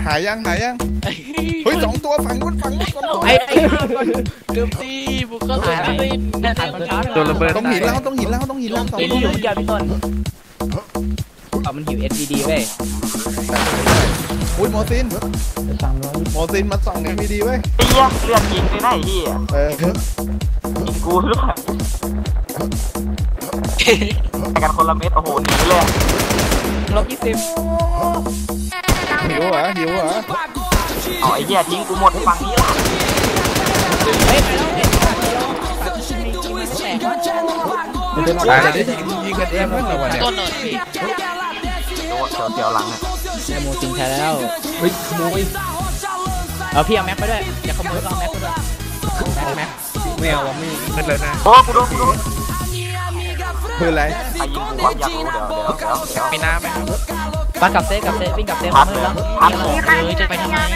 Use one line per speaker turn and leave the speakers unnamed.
หายยังเฮ้ย2 ตัวฝั่งนู้น
ไอ้เกือบตีบุกเข้าหาเลย
โดนระเบิด
ต้องหินแล้ว2 ตัว
อยู่เมื่อกี้พี่ต้นมันหิว SVD เว้ย
อุ้ยโมซินมาส่อง SVD เว้ย
ไอ้เหี้ยเลือดยิงไปไหนเหี้ยยิงกูหรือเปล่าแต่กันคนละเม็ดโอ้โหหนีเลย
-20
หิวเหรอ
อ๋อไอ้เหี้ยทิ้งกูหมดฝั่งนี้ละ
เฮ้ยไปแล้ว
ได้ยิงกันเองมั้งเหรอวะเนี่ย
ต้นหน่อยพี่
เดี๋ยวหลังเนี่ย
โมจริงใช่แล้ว
เฮ้ยขโมย
พี่เอาแม็กไปด้วยอย่าขโมยก็เอาแม็กไปด้วยแม็ก
ไม่เอาไม่
เป็นเลยนะ
โอ้กูโดน
คืออะไร
ไอ้ยิงกูความอยากรู้เดี๋ยว
มีน้ำไหมครับ
ปันกับเซ่วิ่งกับเซ่มาเมื่อแล้วจะไปทำไม